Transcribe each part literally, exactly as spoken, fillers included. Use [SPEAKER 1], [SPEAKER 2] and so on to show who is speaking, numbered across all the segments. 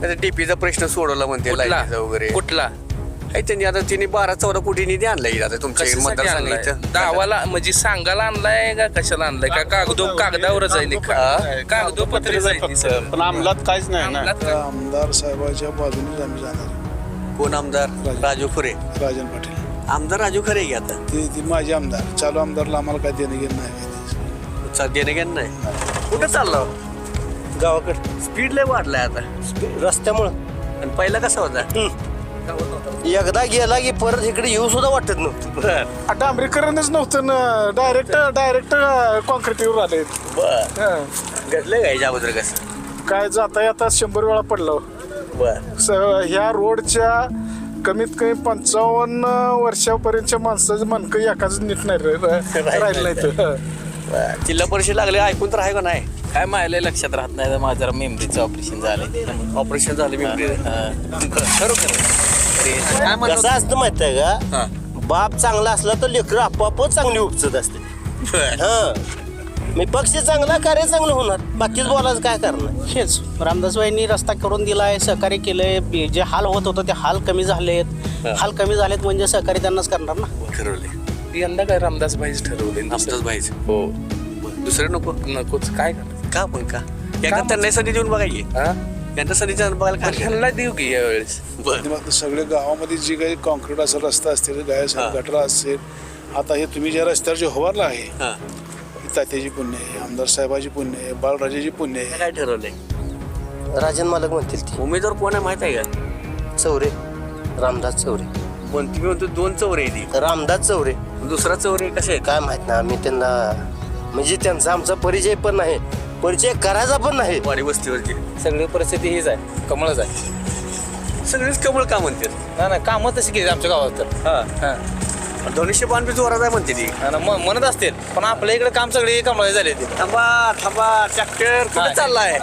[SPEAKER 1] डीपीचा प्रश्न सोडवला म्हणते
[SPEAKER 2] कुठला
[SPEAKER 1] लाईटीचा वगैरे
[SPEAKER 2] कुठला
[SPEAKER 1] आहे त्यांनी आता तिने बारा चौदा कोटी निधी आणलाय आता तुमच्या
[SPEAKER 2] कशासाठी आणलाय?
[SPEAKER 1] मतदारसंघाचं
[SPEAKER 2] दावाला म्हणजे सांगायला आणलाय का कशाला आणलाय का कागदो कागदावरच आहे निकाल कागदोपत्रीच आहे ती सगळं.
[SPEAKER 3] पण अंमलात काहीच नाही ना.
[SPEAKER 2] अंमलात काय?
[SPEAKER 4] आमदार साहेबाच्या बाजूनेच आम्ही जाणार.
[SPEAKER 1] कोण आमदार राजू खरे
[SPEAKER 4] राजन पाटील
[SPEAKER 1] आमदार राजू खरे घ्या आता
[SPEAKER 4] ते ती माझे आमदार चालू आमदारला आम्हाला काय देणं घेणं नाही.
[SPEAKER 1] चा- देणं घेणं नाही कुठं चाललो
[SPEAKER 5] गावाकडे
[SPEAKER 1] स्पीड लय वाढलाय आता
[SPEAKER 5] रस्त्यामुळं
[SPEAKER 1] आणि पहिला कसा होता
[SPEAKER 5] एकदा गेला की परत इकडे येऊ सुद्धा वाटत नव्हतं.
[SPEAKER 1] बर
[SPEAKER 4] डांबरीकरणच नव्हतं ना डायरेक्ट डायरेक्ट कॉन्क्रीटवर आले.
[SPEAKER 1] बर घडलं का याच्या अगोदर कसं
[SPEAKER 4] काय जाता येता शंभर वेळा पडलो.
[SPEAKER 1] बर
[SPEAKER 4] स- ह्या रोडच्या कमीत कमी पंचावन्न वर्षापर्यंतच्या माणसाचं मनकं एकाच नीट नाही रा- राहिलं नाही तर.
[SPEAKER 1] जिल्हा परिषद लागले ऐकून तर आहे का नाही
[SPEAKER 6] काय मायला लक्षात राहत नाही माझं जरा मेमरीचं ऑपरेशन झालंय.
[SPEAKER 1] ऑपरेशन झालं मी खरोखर काय म्हणलं
[SPEAKER 5] कसं असतं माहित आहे
[SPEAKER 1] हा.
[SPEAKER 5] का बाप चांगला असला तर लेकरं आपोआपच चांगली उपचत असते.
[SPEAKER 1] बर.
[SPEAKER 5] हा मी पक्ष चांगला कार्य चांगलं होणार बाकीच बोलायचं काय करणार.
[SPEAKER 7] हेच रामदासबाईंनी रस्ता करून दिलाय सहकार्य केलंय जे हाल होत होतं ते हाल कमी झालेत हाल कमी झालेत म्हणजे सहकार्य त्यांनाच करणार ना.
[SPEAKER 1] ठरवले
[SPEAKER 2] यंदा काय रामदास भाईच ठरवले
[SPEAKER 1] आमचाच भाईच
[SPEAKER 2] हो
[SPEAKER 1] दुसरे नको
[SPEAKER 2] नकोच काय करायचं?
[SPEAKER 1] का पण का एकदा त्यांना संधी देऊन बघायची
[SPEAKER 2] हा?
[SPEAKER 1] त्यांना संधी देऊन बघायला काय हरकत
[SPEAKER 2] ह्यांना देऊ की यावेळेस
[SPEAKER 1] बर
[SPEAKER 4] आणि मग सगळे गावामध्ये जी काही कॉन्क्रीट असेल रस्ता असतील गाय
[SPEAKER 1] हा.
[SPEAKER 4] असेल गटरा असेल आता हे तुम्ही ज्या रस्त्यावर जे होवारला आहे
[SPEAKER 1] हा
[SPEAKER 4] ही तात्याची पुण्य आहे आमदार साहेबाची पुण्य आहे बाळराजाची पुण्य आहे.
[SPEAKER 1] काय ठरवलंय
[SPEAKER 5] राजन मालक म्हणतील ती
[SPEAKER 1] उमेदवार कोण आहे माहित आहे का
[SPEAKER 5] चौरे रामदास चौरे
[SPEAKER 1] पण तुम्ही म्हणतो दोन चौरे आहे ती
[SPEAKER 5] रामदास चौरे
[SPEAKER 1] दुसरा चौरे कसे आहेत
[SPEAKER 5] काय माहित ना आम्ही त्यांना म्हणजे त्यांचा आमचा परिचय पण नाही परिचय करायचा पण नाही.
[SPEAKER 1] वाडी वस्तीवरची
[SPEAKER 6] सगळी परिस्थिती हीच आहे कमळच आहे.
[SPEAKER 1] सगळेच कमळ का म्हणतात
[SPEAKER 6] ना ना कामं तशी केली आमच्या गावात तर
[SPEAKER 1] हा
[SPEAKER 6] हा
[SPEAKER 1] धनुष्य पान बी जोरात आहे म्हणते ती
[SPEAKER 6] आणि म- म्हणत असतील पण आपल्या इकडे काम सगळे कमळ झाले ते.
[SPEAKER 1] थांबा थांबा ट्रॅक्टर कुठे
[SPEAKER 6] हा.
[SPEAKER 1] चाललाय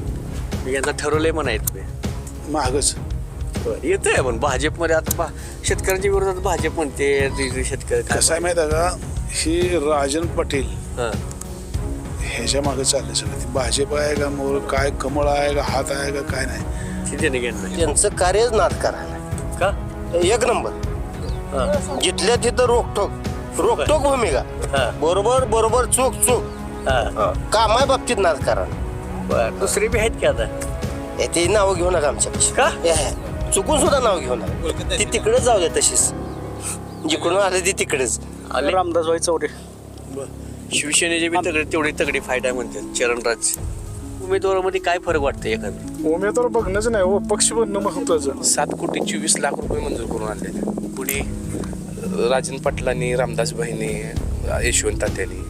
[SPEAKER 1] मी यांचा ठरवलंय म्हणायचं
[SPEAKER 4] महागच
[SPEAKER 1] येतंय पण भाजपमध्ये आता भा- शेतकऱ्यांच्या विरोधात भाजप म्हणते जे- जे शेतकरी काय-
[SPEAKER 4] कसं आहे माहिती आहे का ही राजन पाटील
[SPEAKER 1] हा.
[SPEAKER 4] ह्याच्या मागे चालले सगळं ते भाजप आहे का मोर काय कमळ आहे का हात आहे का काय नाही.
[SPEAKER 1] ते देणं घेणं नाही.
[SPEAKER 5] त्यांचं कार्यच नाद करायला
[SPEAKER 1] का
[SPEAKER 5] एक नंबर
[SPEAKER 1] हा.
[SPEAKER 5] जिथल्या तिथं रोकटोक रोकटोक भूमिका
[SPEAKER 1] हा.
[SPEAKER 5] बरोबर बरोबर चूक चूक
[SPEAKER 1] हा.
[SPEAKER 5] कामाय बाबतीत नाद करा.
[SPEAKER 1] बरं दुसरी बी आहेत की आता
[SPEAKER 5] हे ते नाव घेऊ नका आमच्यापेक्षा
[SPEAKER 1] का?
[SPEAKER 5] हे, हे, चुकून सुद्धा नाव घेऊ नका ती तिकडेच जाऊ दे तशीच जिकडून आले ती तिकडेच
[SPEAKER 1] आले
[SPEAKER 7] रामदासबाई चौरे
[SPEAKER 1] शिवसेनेचे बी तगडे तेवढी तगडी फाईट आहे म्हणतात चरणराज उमेदवारामध्ये काय फरक वाटतं एखादं
[SPEAKER 4] उमेदवार बघणंच नाही हो पक्ष बनणं महत्वाचं.
[SPEAKER 2] सात कोटी चोवीस लाख रुपये मंजूर करून आणले
[SPEAKER 1] कुणी
[SPEAKER 2] राजन पाटलांनी रामदास भाईनी यशवंत तात्यांनी.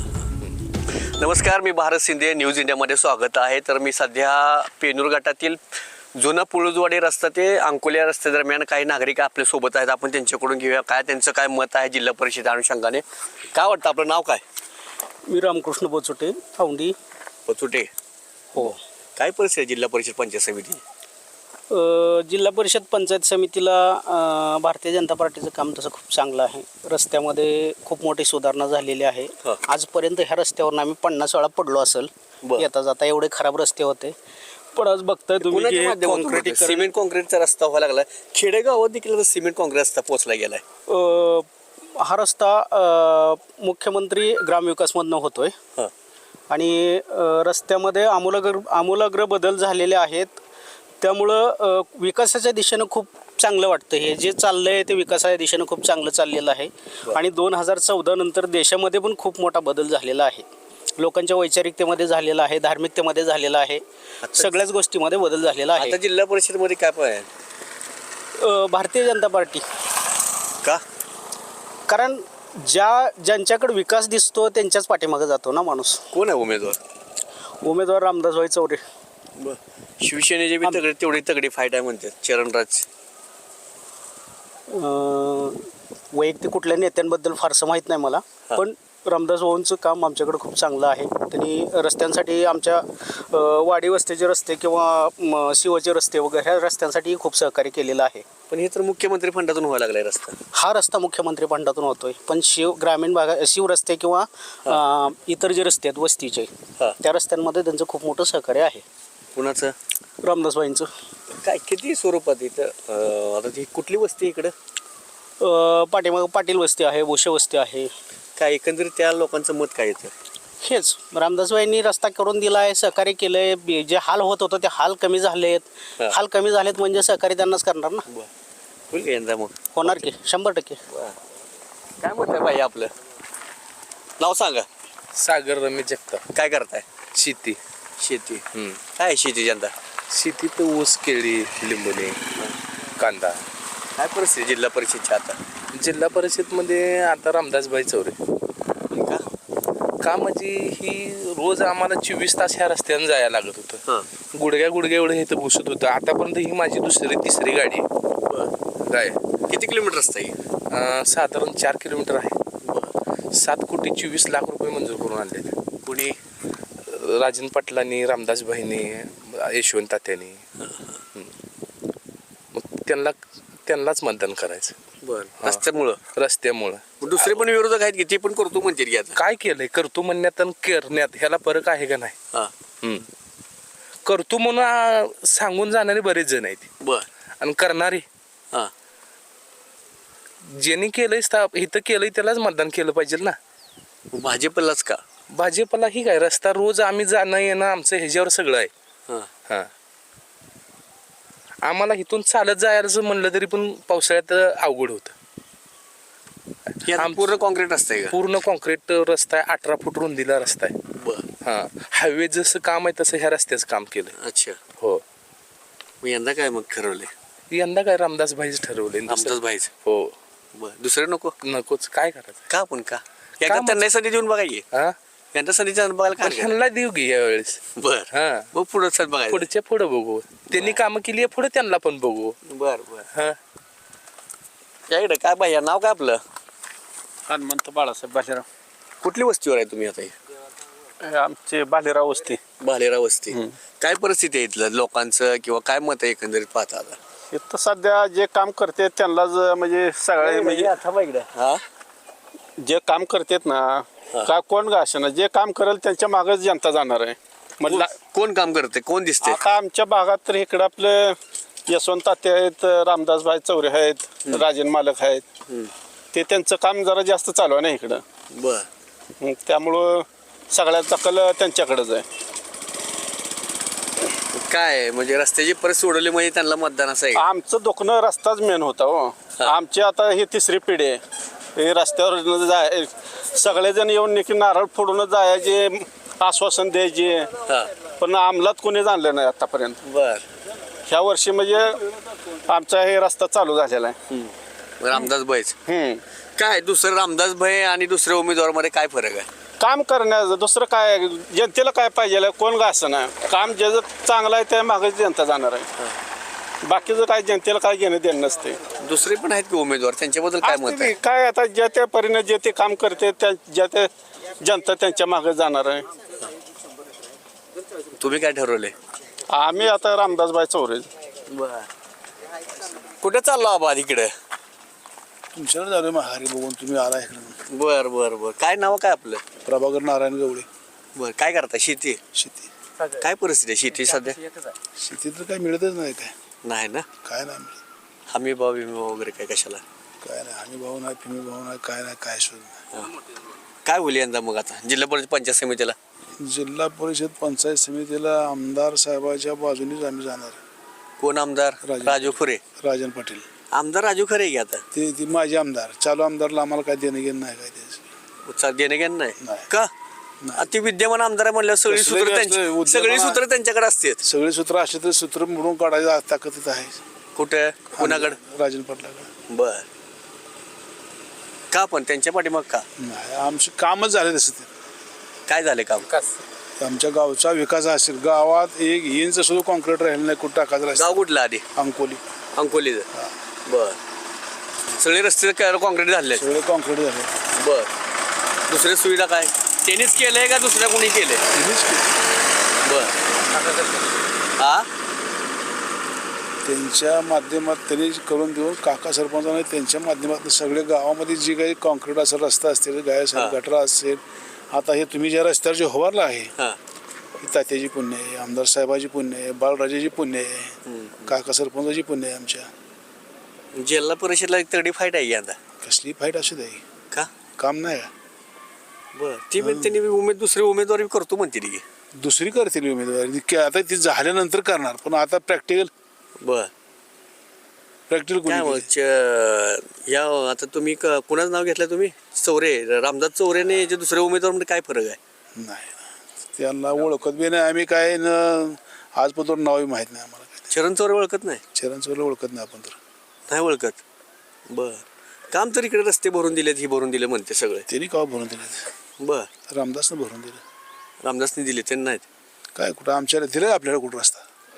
[SPEAKER 1] नमस्कार मी भारत शिंदे न्यूज इंडियामध्ये स्वागत आहे. तर मी सध्या पेनूर गटातील जुना पुळुजवाडी रस्ता ते अंकोली या रस्ते दरम्यान काही नागरिक आपल्या सोबत आहेत. आपण त्यांच्याकडून घेऊया काय त्यांचं काय मत आहे जिल्हा परिषद अनुषंगाने. काय वाटतं आपलं नाव काय?
[SPEAKER 7] मी रामकृष्ण बोचोटे औंढी.
[SPEAKER 1] पचुटे
[SPEAKER 7] हो
[SPEAKER 1] काय परिस्थिती आहे जिल्हा परिषद पंचायत समिती?
[SPEAKER 7] अ, जिल्हा परिषद पंचायत समितीला अ, भारतीय जनता पार्टीचं काम तसं खूप चांगलं आहे. रस्त्यामध्ये खूप मोठी सुधारणा झालेली आहे.
[SPEAKER 1] हा.
[SPEAKER 7] आजपर्यंत ह्या रस्त्यावरून आम्ही पन्नास वेळा पडलो असेल
[SPEAKER 1] बरं.
[SPEAKER 7] येता जाता एवढे खराब रस्ते होते. पण आज बघताय तुम्ही
[SPEAKER 1] कोणाच्या
[SPEAKER 7] की
[SPEAKER 1] माध्यमातून होतं?
[SPEAKER 7] कॉन्क्रीटीकरण
[SPEAKER 1] सिमेंट कॉन्क्रीटचा रस्ता व्हायला लागला. खेडेगावात देखील सिमेंट कॉन्क्रीट रस्ता पोहोचला गेलाय.
[SPEAKER 7] अ, हा रस्ता अ, मुख्यमंत्री ग्रामविकासमधनं होतोय
[SPEAKER 1] हा.
[SPEAKER 7] आणि अ, रस्त्यामध्ये आमूलाग्र आमूलाग्र बदल झालेले आहेत. त्यामुळं अ, विकासाच्या दिशेनं खूप चांगलं वाटतं. हे जे चाललं आहे ते विकासाच्या दिशेनं खूप चांगलं चाललेलं आहे. आणि दोन हजार चौदा नंतर देशामध्ये पण खूप मोठा बदल झालेला आहे. लोकांच्या वैचारिकतेमध्ये झालेला आहे, धार्मिकतेमध्ये झालेला आहे, सगळ्याच गोष्टीमध्ये बदल झालेला
[SPEAKER 1] आता
[SPEAKER 7] आहे.
[SPEAKER 1] जिल्हा परिषदमध्ये काय पण आहे
[SPEAKER 7] अ, भारतीय जनता पार्टी
[SPEAKER 1] का?
[SPEAKER 7] कारण ज्या ज्यांच्याकडे विकास दिसतो त्यांच्याच पाठीमागे जातो ना माणूस.
[SPEAKER 1] कोण आहे उमेदवार?
[SPEAKER 7] उमेदवार रामदासभाई चौरे.
[SPEAKER 1] शिवसेनेचे बी तगडे तेवढी तगडी फाईट आहे म्हणतात चरणराज.
[SPEAKER 7] अं, वैयक्तिक कुठल्या नेत्यांबद्दल फारसं माहीत नाही मला, पण रामदास भाऊंचं काम आमच्याकडे खूप चांगलं आहे. त्यांनी रस्त्यांसाठी आमच्या अं, वाडी वस्तीचे रस्ते किंवा म, शिवाचे रस्ते वगैरे ह्या रस्त्यांसाठी खूप सहकार्य केलेलं आहे.
[SPEAKER 1] पण हे तर मुख्यमंत्री फंडातून व्हायला लागलाय रस्ता.
[SPEAKER 7] हा रस्ता मुख्यमंत्री फंडातून होतोय, पण शिव ग्रामीण भागा शिव रस्ते किंवा अं, इतर जे रस्ते आहेत वस्तीचे
[SPEAKER 1] हा.
[SPEAKER 7] त्या रस्त्यांमध्ये त्यांचं खूप मोठं सहकार्य आहे.
[SPEAKER 1] कुणाचं?
[SPEAKER 7] रामदासबाईंचं.
[SPEAKER 1] काय किती स्वरूपात इथं अं, आता ती कुठली वस्ती इकडं
[SPEAKER 7] अ, पाठीमागं पाटील वस्ती आहे बोशे वस्ती आहे.
[SPEAKER 1] काय एकंदरीत त्या लोकांचं मत काय येतं
[SPEAKER 7] हेच रामदासबाईंनी रस्ता करून दिला आहे, सहकार्य केलं आहे. जे हाल होत होतं ते हाल कमी झालेत.
[SPEAKER 1] हा.
[SPEAKER 7] हाल कमी झालेत म्हणजे सहकार्य त्यांनाच करणार ना.
[SPEAKER 1] होईल का यंदा मग
[SPEAKER 7] होणार की शंभर टक्के.
[SPEAKER 1] काय मत आहे भाई आपलं नाव सांगा
[SPEAKER 2] सागर रमेश जगताप.
[SPEAKER 1] काय करताय
[SPEAKER 2] शेती.
[SPEAKER 1] शेती
[SPEAKER 2] हम्म.
[SPEAKER 1] काय आहे शेती यंदा
[SPEAKER 2] शेती तर ऊस केळी लिंबुणे कांदा.
[SPEAKER 1] काय परिस्थिती जिल्हा परिषदच्या आता
[SPEAKER 2] जिल्हा परिषदमध्ये आता रामदासभाई चौरे.
[SPEAKER 1] का
[SPEAKER 2] का म्हणजे ही रोज आम्हाला चोवीस तास ह्या रस्त्याने जायला लागत होतं.
[SPEAKER 1] हां
[SPEAKER 2] गुडघ्या गुडघ्या एवढं हे तर घुसत होतं. आतापर्यंत ही माझी दुसरी तिसरी गाडी आहे. काय
[SPEAKER 1] किती किलोमीटर रस्ता आहे
[SPEAKER 2] अं, साधारण चार किलोमीटर आहे. सात कोटी चोवीस लाख रुपये मंजूर करून आणले.
[SPEAKER 1] कुणी
[SPEAKER 2] राजन पाटलांनी रामदासभाईंनी यशवंत तात्यानी. मग त्यांना त्यांनाच मतदान करायचं
[SPEAKER 1] बरं रस्त्यामुळं
[SPEAKER 2] रस्त्यामुळं.
[SPEAKER 1] मग दुसरे पण विरोधक आहेत की ते पण करतो म्हणतील की आता
[SPEAKER 2] काय केलंय करतो म्हणण्यात आणि करण्यात ह्याला फरक आहे का नाही.
[SPEAKER 1] हां
[SPEAKER 2] हम्म. करतो म्हणून आ, सांगून जाणारे बरेच जण आहेत
[SPEAKER 1] बर
[SPEAKER 2] आणि करणारे
[SPEAKER 1] हां
[SPEAKER 2] ज्यांनी केलंय स्थाप इथं केलंय त्यालाच मतदान केलं पाहिजे ना.
[SPEAKER 1] भाजपलाच का
[SPEAKER 2] भाजपला ही काय रस्ता रोज आम्ही जाणं येणं आमचं ह्याच्यावर सगळं आहे.
[SPEAKER 1] हां
[SPEAKER 2] हा आम्हाला इथून चालत जायचं म्हणलं तरी पण पावसाळ्यात अवघड होतं.
[SPEAKER 1] हे आता
[SPEAKER 2] आम-
[SPEAKER 1] पूर्ण कॉन्क्रीट असतंय का
[SPEAKER 2] पूर्ण कॉन्क्रीट रस्ता आहे. अठरा फूट रुंदीला रस्ता आहे.
[SPEAKER 1] बर
[SPEAKER 2] हा हायवे जसं काम आहे तसं ह्या रस्त्याचं काम केलं.
[SPEAKER 1] अच्छा
[SPEAKER 2] हो
[SPEAKER 1] मग यंदा काय मग ठरवले
[SPEAKER 2] यंदा काय रामदास भाईच ठरवले.
[SPEAKER 1] आमचाच भाईच
[SPEAKER 2] हो
[SPEAKER 1] बर दुसरे नको
[SPEAKER 2] नकोच काय करायचं.
[SPEAKER 1] का पण का एकदा
[SPEAKER 2] मग?
[SPEAKER 1] त्यांना संधी देऊन बघायची
[SPEAKER 2] हा
[SPEAKER 1] यंदा संधीच्या बघायला
[SPEAKER 2] पण
[SPEAKER 1] काय
[SPEAKER 2] ह्यांना देऊ घे यावेळेस.
[SPEAKER 1] बर
[SPEAKER 2] हा
[SPEAKER 1] मग पुढं सर बघायचं
[SPEAKER 2] पुढच्या पुढं बघू. त्यांनी कामं केली आहे पुढे त्यांना पण बघू.
[SPEAKER 1] बर बर
[SPEAKER 2] हा
[SPEAKER 1] या इकडे काय भैया नाव काय आपलं
[SPEAKER 3] हनुमंत बाळासाहेब बालेराव.
[SPEAKER 1] कुठली वस्तीवर आहे तुम्ही आता हे?
[SPEAKER 3] हे आमचे बालेराव वस्ती.
[SPEAKER 1] भालेराव वस्ती काय परिस्थिती आहे इथलं लोकांचं किंवा काय मत आहे एकंदरीत पाहता आता
[SPEAKER 3] इथं सध्या जे काम करते त्यांनाच म्हणजे सगळे म्हणजे
[SPEAKER 1] हा
[SPEAKER 3] जे काम करतात ना का कोण का असेना जे काम करेल त्यांच्या मागच जनता जाणार आहे. म्हटलं
[SPEAKER 1] कोण काम करते कोण दिसते
[SPEAKER 3] आता आमच्या भागात तर इकडं आपलं यशवंत तात्या आहेत, रामदासभाई चौरे आहेत, राजन मालक आहेत. ते त्यांचं काम जरा जास्त चालू आहे ना इकडं.
[SPEAKER 1] बर
[SPEAKER 3] मग त्यामुळं सगळ्याचा कल त्यांच्याकडेच आहे.
[SPEAKER 1] काय म्हणजे रस्त्याची परिस्थिती सोडवली म्हणजे त्यांना मतदान असं आहे का?
[SPEAKER 3] आमचं दुखणं रस्ताच मेन होता हो. आमची आता ही तिसरी पिढी आहे. हे रस्त्यावर जाय सगळेजण येऊन निकी नारळ फोडून जायचे आश्वासन द्यायचे
[SPEAKER 1] हा
[SPEAKER 3] पण अंमलात कोणीच आणलं नाही आतापर्यंत.
[SPEAKER 1] बर
[SPEAKER 3] ह्या वर्षी म्हणजे आमचा हे रस्ता चालू झालेला आहे.
[SPEAKER 1] रामदास भाईच
[SPEAKER 3] हम्म.
[SPEAKER 1] काय दुसरं रामदास भाई आणि दुसऱ्या उमेदवार मध्ये काय फरक आहे
[SPEAKER 3] काम करण्याचं दुसरं काय जनतेला काय पाहिजे कोण का असं ना काम ज्याचं चांगलं आहे त्या मागे जनता जाणार आहे. बाकीचं काय जनतेला काय घेणं देणं नसते.
[SPEAKER 1] दुसरे पण आहेत की उमेदवार त्यांच्याबद्दल काय मत
[SPEAKER 3] असते
[SPEAKER 1] आहे
[SPEAKER 3] की काय आता ज्या त्या परीने जे ते काम करते त्या ज्या त्या जनता त्यांच्या मागे जाणार आहे.
[SPEAKER 1] तुम्ही काय ठरवले
[SPEAKER 3] आम्ही आता रामदासबाई चौरे.
[SPEAKER 1] बर कुठे चाललो आबा इकडे
[SPEAKER 8] तुमच्याकडे झालं मग हारी बघून तुम्ही आला इकडे.
[SPEAKER 1] बर बर बर काय नाव काय आपलं
[SPEAKER 8] प्रभाकर नारायण गवळे.
[SPEAKER 1] बर काय करता शेती
[SPEAKER 8] शेती
[SPEAKER 1] काय परिस्थिती आहे शेती सध्या
[SPEAKER 8] शेतीत तर काही मिळतच नाही. काय
[SPEAKER 1] नाही ना
[SPEAKER 8] काय नाही मिळत.
[SPEAKER 1] हमी भाव विमी भाव वगैरे काय कशाला
[SPEAKER 8] काय नाही हमी भाऊ नाही फिमी भाऊ नाही काय नाही काय शोध नाही.
[SPEAKER 1] काय होईल यंदा मग आता जिल्हा परिषद पंचायत समितीला
[SPEAKER 8] जिल्हा परिषद पंचायत समितीला आमदार साहेबाच्या बाजूनेच आम्ही जाणार.
[SPEAKER 1] कोण आमदार
[SPEAKER 8] राजू.
[SPEAKER 1] राजू खरे
[SPEAKER 8] राजन पाटील
[SPEAKER 1] आमदार राजू खरे की आता
[SPEAKER 8] ते ती माझे आमदार चालू आमदारला आम्हाला काय देणं घेणं नाही काय त्याचं.
[SPEAKER 1] उत्साह देणं घेणं नाही
[SPEAKER 8] नाही.
[SPEAKER 1] का
[SPEAKER 8] नाही.
[SPEAKER 1] अति विद्यमान आमदार आहे म्हणल्यावर सगळी
[SPEAKER 8] कसलं
[SPEAKER 1] सूत्र
[SPEAKER 8] बी
[SPEAKER 1] त्यांची
[SPEAKER 8] असलं, उद्योगाला-
[SPEAKER 1] सगळी सूत्र त्यांच्याकडे असतात
[SPEAKER 8] सगळे सूत्र असले तर सूत्र मोडून काढायला ताकद आहे.
[SPEAKER 1] कुठे कुणाकडे
[SPEAKER 8] राजन पाटलाकडे.
[SPEAKER 1] बर का पण त्यांच्या पाठीमाग का
[SPEAKER 8] नाही आमचं कामच झालं तसं ते.
[SPEAKER 1] काय झाले काम
[SPEAKER 8] आमच्या गावचा विकास असेल गावात एक इंच सुद्धा कॉन्क्रीट राहिलं नाही कुठं टाकायचं
[SPEAKER 1] गाव
[SPEAKER 8] रस्ता.
[SPEAKER 1] कुठलं आधी
[SPEAKER 8] अंकोली
[SPEAKER 1] अंकोलीचं बर सगळे रस्ते कॉन्क्रीट झाले
[SPEAKER 8] सगळे कॉन्क्रीट झाले.
[SPEAKER 1] बर दुसरी सुविधा काय त्यांनीच केलंय का दुसऱ्या कोणी केलंय
[SPEAKER 8] त्यांनीच केलं.
[SPEAKER 1] बर हा
[SPEAKER 8] त्यांच्या माध्यमात त्यांनी करून देऊन काका सरपंचाने त्यांच्या माध्यमातून सगळे गावामध्ये जी काही कॉन्क्रीट असेल रस्ता असतील गाय असेल
[SPEAKER 1] हा.
[SPEAKER 8] गटरा असेल आता हे तुम्ही ज्या रस्त्यावर जे होवारला आहे
[SPEAKER 1] हा
[SPEAKER 8] ही तात्याची पुण्य आहे, आमदार साहेबाची पुण्य आहे, बाळराजाची पुण्य आहे, काका सरपंचाची पुण्य आहे आमच्या.
[SPEAKER 1] जिल्हा परिषदला एक तगडी फाईट आहे यंदा.
[SPEAKER 8] कसली फाईट असू दे,
[SPEAKER 1] का
[SPEAKER 8] काम नाही का?
[SPEAKER 1] बर ती पण त्यांनी उमेद दुसरी उमेदवारी करतो म्हणते की.
[SPEAKER 8] दुसरी करतील उमेदवारी की आता ती झाल्यानंतर करणार, पण आता प्रॅक्टिकल
[SPEAKER 1] बर
[SPEAKER 8] प्रॅक्टिकल
[SPEAKER 1] काय मग
[SPEAKER 8] कोणी
[SPEAKER 1] च- या आता तुम्ही क- कुणाचं नाव घेतलं तुम्ही? चौरे, रामदास चौरेने जे दुसरे उमेदवार म्हणजे काय फरक आहे?
[SPEAKER 8] नाही ना. त्यांना ओळखत बी नाही आम्ही, काय न आजपर्यंत नावही माहीत नाही आम्हाला. काय
[SPEAKER 1] चरण चौरे ओळखत नाही?
[SPEAKER 8] चरण चोरला ओळखत नाही आपण तर.
[SPEAKER 1] नाही ओळखत. बर काम तर इकडे रस्ते भरून दिलेत, ही भरून दिले म्हणते सगळे.
[SPEAKER 8] त्यांनी का भरून दिले?
[SPEAKER 1] बर
[SPEAKER 8] रामदासनं भरून दिलं.
[SPEAKER 1] रामदासने दिले त्यांनी नाहीत.
[SPEAKER 8] काय कुठं आमच्याला दिलं आपल्याला कुठं रस्ता?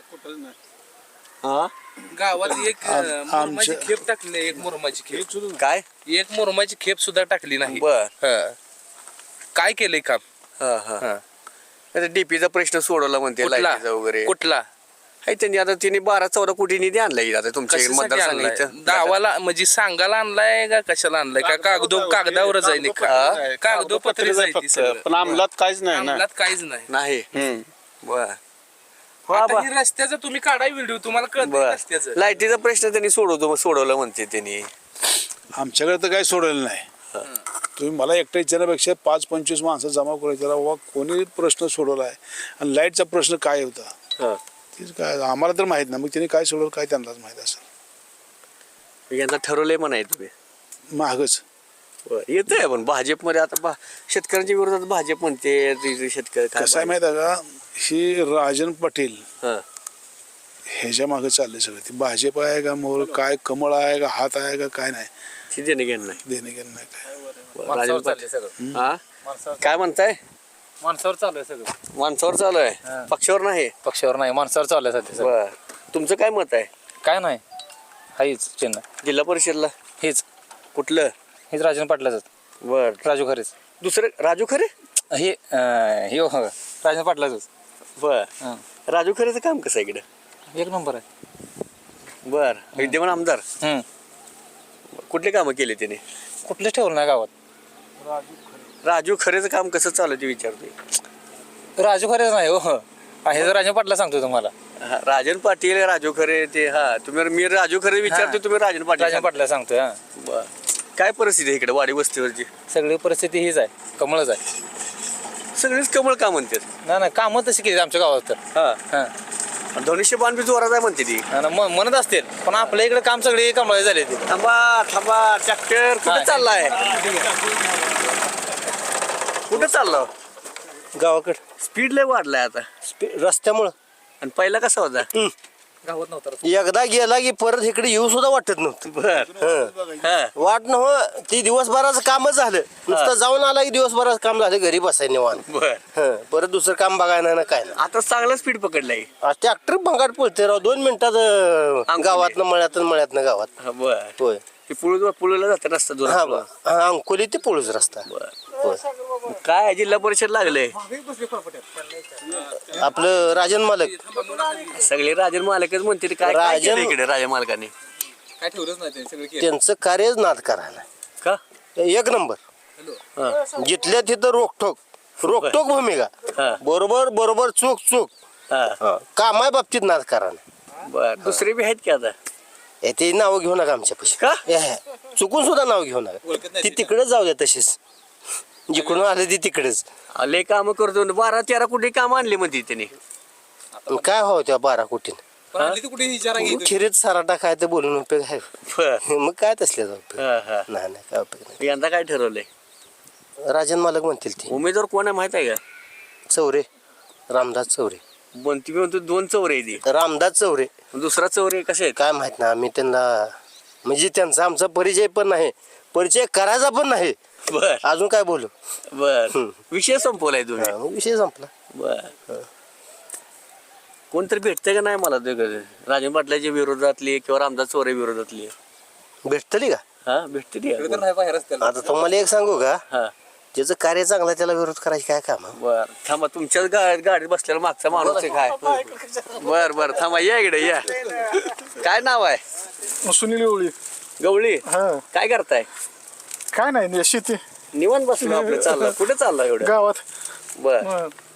[SPEAKER 1] हा
[SPEAKER 2] गावात एक
[SPEAKER 8] आम-
[SPEAKER 2] अं, मुरमाची
[SPEAKER 8] आमच्या-
[SPEAKER 2] खेप टाकली, एक मुरमाची खेप
[SPEAKER 1] काय?
[SPEAKER 2] एक मुरमाची खेप सुद्धा टाकली नाही.
[SPEAKER 1] बर
[SPEAKER 2] हं. काय केलंय काम?
[SPEAKER 1] हा हा
[SPEAKER 2] हं.
[SPEAKER 1] आता डीपीचा प्रश्न सोडवला म्हणते,
[SPEAKER 2] कुठला
[SPEAKER 1] लाईटीचा वगैरे.
[SPEAKER 2] कुठला
[SPEAKER 1] आहे त्यांनी आता तिने बारा चौदा कोटी निधी आणलाय आता तुमच्या
[SPEAKER 2] कशासाठी
[SPEAKER 1] मतदारसंघ
[SPEAKER 2] आणलाय?
[SPEAKER 1] इथं.
[SPEAKER 2] गावाला म्हणजे सांगायला आणलाय का कशाला आणलाय? का कागदो कागदावरच आहे निकाल, कागदोपत्री आहे ती सगळं.
[SPEAKER 3] पण अंमलात काहीच नाही ना.
[SPEAKER 2] अंमलात काहीच नाही.
[SPEAKER 1] नाही बर
[SPEAKER 2] आता ही रस्त्याचा तुम्ही काढाय व्हिडिओ, तुम्हाला कळत
[SPEAKER 1] बर
[SPEAKER 2] रस्त्याचं.
[SPEAKER 1] लाईटीचा प्रश्न त्यांनी सोडवतो सोडवलं म्हणते त्यांनी.
[SPEAKER 8] आमच्याकडे तर काही सोडलेलं नाही. तुम्ही मला एकटा विचारण्यापेक्षा पाच पंचवीस माणसं जमा करू विचारा, वा कोणी प्रश्न सोडवला आहे आणि लाईटचा प्रश्न काय होता
[SPEAKER 1] हा.
[SPEAKER 8] तेच काय आम्हाला तर माहीत नाही. मग त्यांनी काय सोडवलं काय त्यांनाच माहीत असेल.
[SPEAKER 1] यांना ठरवलंय म्हणाय तुम्ही.
[SPEAKER 8] महागच
[SPEAKER 1] येत आहे पण भाजपमध्ये आता भा- शेतकऱ्यांच्या विरोधात भाजप म्हणते ते- ते शेतकरी काय
[SPEAKER 8] कसं आहे माहीत आहे का, ही राजन पाटील
[SPEAKER 1] हा.
[SPEAKER 8] ह्याच्या मागे चालले सगळं. ती भाजप आहे का मोर काय कमळ आहे का हात आहे का काय नाही,
[SPEAKER 1] ती देणं घेणं नाही.
[SPEAKER 8] देणे घेणं नाही काय.
[SPEAKER 1] राजन पाटील. हा काय म्हणताय?
[SPEAKER 6] माणसावर चालू आहे सगळं.
[SPEAKER 1] माणसावर चालू आहे, पक्षावर नाही.
[SPEAKER 6] पक्षावर नाही, माणसावर चालू आहे सध्या सगळं.
[SPEAKER 1] बर तुमचं काय मत आहे?
[SPEAKER 6] काय नाही, हाच चिन्ह
[SPEAKER 1] जिल्हा परिषदला
[SPEAKER 6] हेच
[SPEAKER 1] कुठलं?
[SPEAKER 6] हेच राजन पाटलाच,
[SPEAKER 1] बर
[SPEAKER 6] राजू खरेच.
[SPEAKER 1] दुसरं राजू खरे.
[SPEAKER 6] हे अं, हे हो, राजन पाटलाच.
[SPEAKER 1] बर
[SPEAKER 6] हं.
[SPEAKER 1] राजू खरेचं काम कसं आहे इकडं?
[SPEAKER 6] एक नंबर आहे.
[SPEAKER 1] बर विद्यमान आमदार
[SPEAKER 6] हं.
[SPEAKER 1] कुठले कामं केले त्याने?
[SPEAKER 6] कुठलेच ठेवलं नाही गावात.
[SPEAKER 1] राजू खरेचं काम कसं चालू आहे ते विचारते.
[SPEAKER 6] राजू खरेच नाही हो. हा, हे जर राजन पाटला सांगतो तुम्हाला.
[SPEAKER 1] हा, राजन पाटील राजू खरे ते हा तुम्ही मी राजू खरे विचारतो,
[SPEAKER 6] हा.
[SPEAKER 1] तुम्ही राजन पाटील
[SPEAKER 6] राजन
[SPEAKER 1] सांगता.
[SPEAKER 6] पाटला सांगतोय. हा,
[SPEAKER 1] बर काय परिस्थिती आहे इकडे वाडी वस्तीवरची?
[SPEAKER 6] सगळी परिस्थिती हीच आहे, कमळच आहे.
[SPEAKER 1] सगळीच कमळ का म्हणतात?
[SPEAKER 6] नाही नाही, कामं तशी केली आमच्या गावात तर.
[SPEAKER 1] हा
[SPEAKER 6] हां,
[SPEAKER 1] धनुष्यबाण बी जोरात आहे म्हणते ती.
[SPEAKER 6] आणि म- म्हणत असतील, पण आपल्या इकडे काम सगळे कमळ झाले ते.
[SPEAKER 1] थांबा थांबा ट्रॅक्टर कुठे
[SPEAKER 6] हा.
[SPEAKER 1] चाललाय? कुठे चाललो?
[SPEAKER 5] गावाकडे
[SPEAKER 1] स्पीड लय वाढलाय आता.
[SPEAKER 5] रस्त्यामुळं
[SPEAKER 1] आणि पहिला कसा होता?
[SPEAKER 6] गावात नव्हतं.
[SPEAKER 5] एकदा गेला की परत इकडे येऊ सुद्धा वाटत नव्हतं.
[SPEAKER 1] बर
[SPEAKER 5] हं.
[SPEAKER 1] हा
[SPEAKER 5] वाट नव्ह, ती दिवसभराचं कामच झालं. नुसतं जाऊन आला की दिवसभराचं काम झालं, घरी बसाय निवांत.
[SPEAKER 1] बर
[SPEAKER 5] हं. परत दुसरं काम बघायला नाही ना काय नाही.
[SPEAKER 1] आता चांगला स्पीड पकडलाय.
[SPEAKER 5] ट्रॅक्टर भंगाट पळते राव, दोन मिनिटात अं,
[SPEAKER 1] अंकुले.
[SPEAKER 5] गावातनं मळ्यातून मळ्यातनं गावात.
[SPEAKER 1] हा, बर
[SPEAKER 5] होय.
[SPEAKER 1] ते पुळ पुळला जाते रस्ता दोन.
[SPEAKER 5] हा बा हा, अंकोली ते पोळूच रस्ता.
[SPEAKER 1] बर
[SPEAKER 5] होय.
[SPEAKER 1] काय जिल्हा परिषद लागले?
[SPEAKER 5] आपलं राजन मालक
[SPEAKER 1] सगळे राजन मालकच म्हणते काय काय
[SPEAKER 5] राजन-
[SPEAKER 1] केलं इकडे राजा मालकाने?
[SPEAKER 6] काय ठेवलंच नाही त्यांनी, सगळं केलं.
[SPEAKER 5] त्यांचं कार्यच नाद करायला
[SPEAKER 1] का?
[SPEAKER 5] एक नंबर.
[SPEAKER 1] हा.
[SPEAKER 5] जिथल्या तिथं रोकठोक रोकटोक भूमिका.
[SPEAKER 1] हा.
[SPEAKER 5] बरोबर बरोबर चूक चूक
[SPEAKER 1] हा.
[SPEAKER 5] कामाय बाबतीत नाद करायला.
[SPEAKER 1] बर दुसरे बी आहेत की आता?
[SPEAKER 5] ए, ते नाव घेऊ नका आमच्या पैसे.
[SPEAKER 1] का?
[SPEAKER 5] चुकून सुद्धा नाव घेऊ नका. ती तिकडे जाऊ द्या तशीच, जिकडून आले ती तिकडेच.
[SPEAKER 1] लय काम करतो बारा तेरा कोटी काम आणले म्हणते त्याने.
[SPEAKER 5] काय हो त्या बारा कोटीन
[SPEAKER 2] पण आणली ती कुठे विचारा की?
[SPEAKER 5] खिरीत सराटा काय तर बोलून उपयोग आहे.
[SPEAKER 1] बर
[SPEAKER 5] मग काय तसले उपयोग
[SPEAKER 1] हा, हा.
[SPEAKER 5] नाही नाही काय उपयोग नाही.
[SPEAKER 1] यंदा काय ठरवलंय?
[SPEAKER 5] राजन मालक म्हणतील ते
[SPEAKER 1] उमेदवार कोण आहे माहित आहे का?
[SPEAKER 5] चौरे, रामदास चौरे.
[SPEAKER 1] बनती म्हणतो दोन चौरे आहे ती.
[SPEAKER 5] रामदास चौरे
[SPEAKER 1] दुसरा चौरे कसे आहेत?
[SPEAKER 5] काय माहित ना, आम्ही त्यांना म्हणजे त्यांचा आमचा परिचय पण नाही, परिचय करायचा पण नाही.
[SPEAKER 1] बर
[SPEAKER 5] अजून काय बोलू.
[SPEAKER 1] बर
[SPEAKER 5] हम्म.
[SPEAKER 1] विषय संपवलाय तुम्ही.
[SPEAKER 5] हा, मग विषय संपला.
[SPEAKER 1] बर कोणतरी भेटतंय का नाही मला ते राजन पाटलाच्या विरोधातली किंवा रामदास चौरे विरोधातली?
[SPEAKER 5] भेटतली का?
[SPEAKER 1] हा भेटते ती.
[SPEAKER 2] तर नाही बाहेर रस्त्याला.
[SPEAKER 5] आता तुम्हाला एक सांगू का,
[SPEAKER 1] हा
[SPEAKER 5] ज्याचं कार्य चांगलं आहे त्याला विरोध करायची काय काम आहे?
[SPEAKER 1] बर थांबा तुमच्याच गा- गाडीत बसलेला मागचा माणूस आहे काय? बर बर थांबा या इकडे या. काय नाव आहे?
[SPEAKER 4] सुनील ओळी.
[SPEAKER 1] गवळी
[SPEAKER 4] हा
[SPEAKER 1] काय करताय?
[SPEAKER 4] काय नाही, शेती
[SPEAKER 1] निवांत बसलो आपलं चाललं. कुठे चाललं एवढं?
[SPEAKER 4] गावात.
[SPEAKER 1] बर
[SPEAKER 4] हं.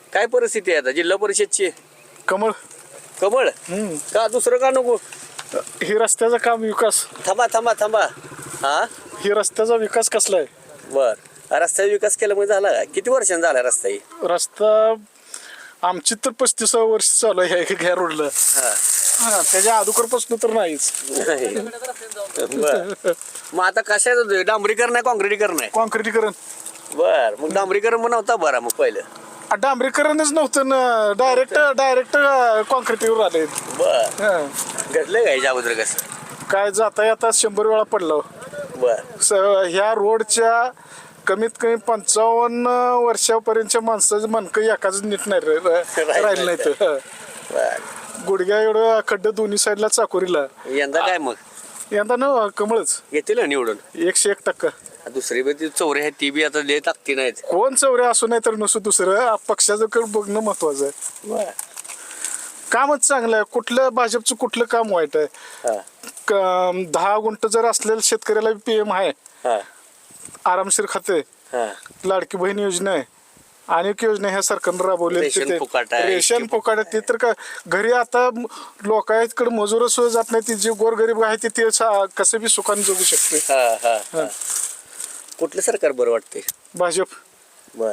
[SPEAKER 1] काय परिस्थिती आहे आता जिल्हा परिषदची?
[SPEAKER 4] कमळ.
[SPEAKER 1] कमळ
[SPEAKER 4] हम्म.
[SPEAKER 1] का दुसरं का नको?
[SPEAKER 4] ही रस्त्याचं काम विकास
[SPEAKER 1] थांबा थांबा थांबा हा
[SPEAKER 4] ही रस्त्याचा विकास कसला आहे?
[SPEAKER 1] बर रस्त्याचा विकास केल्यामुळे झाला का? किती वर्षांनी झाला रस्ता ही?
[SPEAKER 4] रस्ता आमची तर पस्तीसावं वर्ष चालू आहे ह्या- ह्या रोडला.
[SPEAKER 1] हा.
[SPEAKER 4] हा, त्याच्या अगोदरपासून तर नाहीच.
[SPEAKER 1] नाही. बर मग आता कशाचं डांबरीकरण आहे काँक्रिटीकरण आहे?
[SPEAKER 4] कॉन्क्रिटीकरण
[SPEAKER 1] बर मग डांबरीकरण मग नव्हता बरा मग पहिलं.
[SPEAKER 4] आ, डांबरीकरणच नव्हतं ना. डायरेक्ट डायरेक्ट कॉन्क्रिटीवर आले.
[SPEAKER 1] बर
[SPEAKER 4] हा.
[SPEAKER 1] घडलं का ह्याच्या अगोदर कसं?
[SPEAKER 4] काय जाता येता शंभर वेळा पडलं.
[SPEAKER 1] बर
[SPEAKER 4] स- ह्या रोडच्या कमीत कमी पंचावन्न वर्षापर्यंतच्या माणसाचं मनकं एकाच नीट नाही रा- रा- राहिलं नाही तर.
[SPEAKER 1] बर
[SPEAKER 4] गुडघ्या एवढं खड्डे दोन्ही साईडला चाकोरीला.
[SPEAKER 1] यंदा काय मग
[SPEAKER 4] यंदा ना कमळच
[SPEAKER 1] घेतील ना निवडून?
[SPEAKER 4] एकशे एक टक्का.
[SPEAKER 1] दुसरी बी ती चौरे आहेत ती बी आता लय ताकती नाहीत.
[SPEAKER 4] कोण चौरे असू नाही तर नसू दुसरं पक्षाचं कर बघणं महत्वाचं आहे.
[SPEAKER 1] बर
[SPEAKER 4] कामच चांगलं आहे. कुठलं भाजपचं कुठलं काम वाईट आहे?
[SPEAKER 1] हा
[SPEAKER 4] क- दहा गुंठ जर असलेल्या शेतकऱ्याला पी एम आहे,
[SPEAKER 1] हा
[SPEAKER 4] आरामशीर खाते,
[SPEAKER 1] हा
[SPEAKER 4] लाडकी बहीण योजना आहे, अनेक योजना ह्या सरकारनं राबवल्या.
[SPEAKER 1] रेशन फुकट आहे.
[SPEAKER 4] रेशन फुकाट आहे. ते तर का घरी आता लोकांकडे मजूर सुद्धा जात नाही. ती जे गोरगरीब आहे ते ते सा- कसं बी सुखाने जगू शकते.
[SPEAKER 1] हा हा हा. कुठलं सरकार बरं वाटते?
[SPEAKER 4] भाजप.
[SPEAKER 1] बर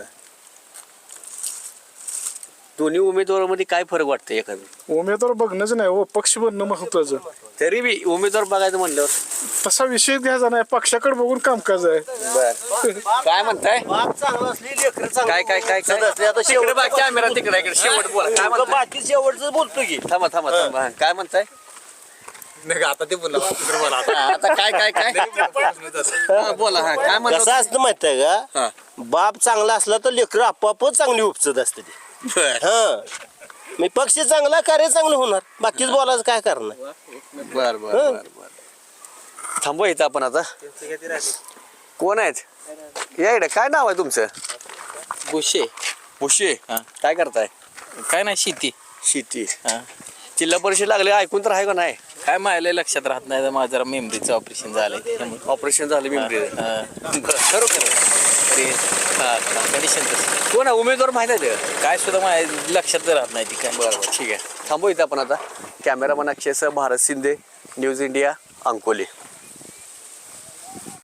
[SPEAKER 1] दोन्ही उमेदवारामध्ये काय फरक वाटतं एखादं?
[SPEAKER 4] उमेदवार बघणंच नाही हो, पक्ष बनणं महत्वाचं.
[SPEAKER 1] तरी बी उमेदवार बघायचं म्हणल्यावर
[SPEAKER 4] तसा विषय घ्यायचा नाही, पक्षाकडे बघून कामकाज आहे.
[SPEAKER 1] बर काय म्हणताय?
[SPEAKER 5] बाप चांगला असली लेकरं चांगली
[SPEAKER 1] काय काय काय काय
[SPEAKER 5] असली, आता
[SPEAKER 1] तिकडे
[SPEAKER 5] शेवट
[SPEAKER 1] बा कॅमेरा तिकडे इकडे शेवट बोला काय म्हणताय?
[SPEAKER 5] बाकी शेवटचं बोलतो की
[SPEAKER 1] थांबा थांबा थांबा हा, काय म्हणताय?
[SPEAKER 6] आता ते बोला
[SPEAKER 1] हा, आता काय काय काय हा, बोला हा काय
[SPEAKER 5] कसं
[SPEAKER 1] म्हणता?
[SPEAKER 5] असतं माहित आहे
[SPEAKER 1] हा.
[SPEAKER 5] का? बाप चांगला असला तर लेकरं आपोआपच चांगली उपचत असते ती.
[SPEAKER 1] बर
[SPEAKER 5] हा मी पक्ष चांगला कार्य चांगलं होणार. बाकीच बोलायचं काय करणार?
[SPEAKER 1] बर बर बर बर थांबू इथं आपण आता. कोण आहेत या इकडे? काय नाव आहे तुमचं?
[SPEAKER 6] गोशे
[SPEAKER 1] भुशे.
[SPEAKER 6] हा.
[SPEAKER 1] काय करताय?
[SPEAKER 6] काय नाही शेती.
[SPEAKER 1] शेती.
[SPEAKER 6] हा.
[SPEAKER 1] जिल्हा परिषद लागले ऐकून तर आहे का नाही?
[SPEAKER 6] काय मायला लक्षात राहत नाही तर माझं जरा मेमरीचं ऑपरेशन झालंय त्यामुळे.
[SPEAKER 1] ऑपरेशन झालं मी
[SPEAKER 6] हा.
[SPEAKER 1] खरोखर
[SPEAKER 6] तरी कंडिशन तसं
[SPEAKER 1] कोण आहे उमेदवार माहिती आहे ते?
[SPEAKER 6] काय सुद्धा माझ्या लक्षात राहत नाही ती काय.
[SPEAKER 1] बरं बरं ठीक आहे थांबू इथं आपण आता. कॅमेरामन अक्षयसह भारत शिंदे, न्यूज इंडिया, अंकोली.